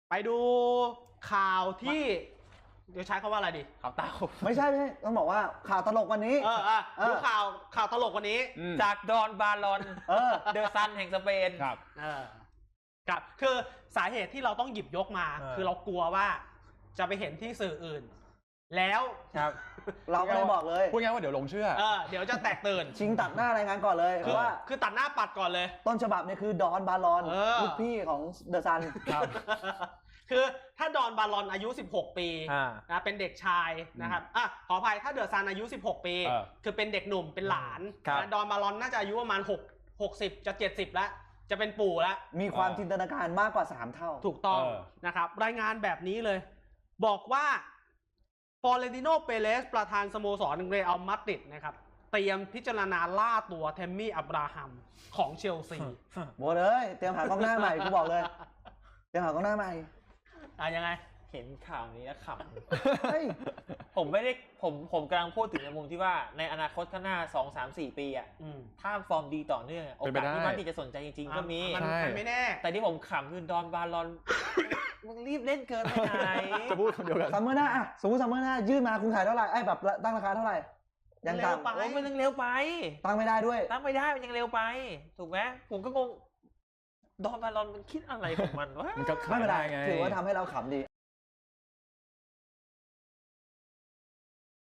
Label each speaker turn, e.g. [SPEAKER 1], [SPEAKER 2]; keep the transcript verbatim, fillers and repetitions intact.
[SPEAKER 1] ไปดูข่าวที่เดี๋ยวใช้คำว่าอะไรดีข่าวเต้า
[SPEAKER 2] ไม่ใช่ไม่ใช่ต้องบอกว่าข่าวตลกวันนี้
[SPEAKER 1] เออเออดูข่าวข่าวตลกวันนี้
[SPEAKER 3] จากดอนบาลอน
[SPEAKER 2] เออ
[SPEAKER 3] เดอะซันแห่งสเปน
[SPEAKER 1] ครับเออครับคือสาเหตุที่เราต้องหยิบยกมาคือเรากลัวว่าจะไปเห็นที่สื่ออื่นแล้ว
[SPEAKER 3] ครับ
[SPEAKER 2] เราก็เลยบอกเลย
[SPEAKER 4] พูดง่ายว่าเดี๋ยวลงเชื่อ
[SPEAKER 1] เออเดี๋ยวจะแตกตื่น
[SPEAKER 2] ชิงตัดหน้ารายงานก่อนเลยเพราะว่า
[SPEAKER 1] คือตัดหน้าปัดก่อนเลย
[SPEAKER 2] ต้นฉบับเนี่ยคือดอนบาลอนลูกพี่ของเดอะซัน
[SPEAKER 1] คือถ้าดอนบาลอนอายุสิบหกปีนะเป็นเด็กชายนะครับอ่ะขออภัยถ้าเดอะซันอายุสิบหกปีคือเป็นเด็กหนุ่มเป็นหลานนะดอนบาลอนน่าจะอายุประมาณ6 60จะเจ็ดสิบแล้วจะเป็นปู่แล้ว
[SPEAKER 2] มีความจินตนาการมากกว่าสามเท่า
[SPEAKER 1] ถูกต้องนะครับรายงานแบบนี้เลยบอกว่าฟลอเรนติโนเปเรสประธานสโมสรเรอัลมาดริดนะครับเตรียมพิจารณาล่าตัวเทมมี่อับราฮัมของเชลซี
[SPEAKER 2] โว้เลยเตรียมหากองหน้าใหม่กูบอกเลยเตรียมหากองหน้าใหม่
[SPEAKER 1] อ่ะยังไง
[SPEAKER 3] เห็นข่าวนี้แล้วขำผมไม่ได้ผมผมกำลังพูดถึงในมุมที่ว่าในอนาคตข้างหน้าสองสามสี่ปีอ่ะถ้าฟอร์มดีต่อเนื่องโอกาสที่มาดริดจะสนใจจริงๆก็มี
[SPEAKER 1] มันไม่แน่
[SPEAKER 3] แต่ที่ผมขำคือดอนบาลอนมึงรีบเล่นเกินไปไหน
[SPEAKER 4] จะพูดคำเดียวกัน
[SPEAKER 2] ซัมเมอร์หน้าอ่ะสมมติซัมเมอร์หน้ายื่นมาคุณขายเท่าไหร่ไอ้แบบตั้งราคาเท่าไหร่
[SPEAKER 3] ยังต่ำโอ้มันยังเร็วไป
[SPEAKER 2] ตั้งไม่ได้ด้วย
[SPEAKER 3] ตั้งไม่ได้มันยังเร็วไปถูกไหมผมก็งงดอนบาลอนมันคิดอะไรของมันวะ
[SPEAKER 4] มันก็
[SPEAKER 2] ไม่เป็นไรไงถือว่าทำให้เราขำดี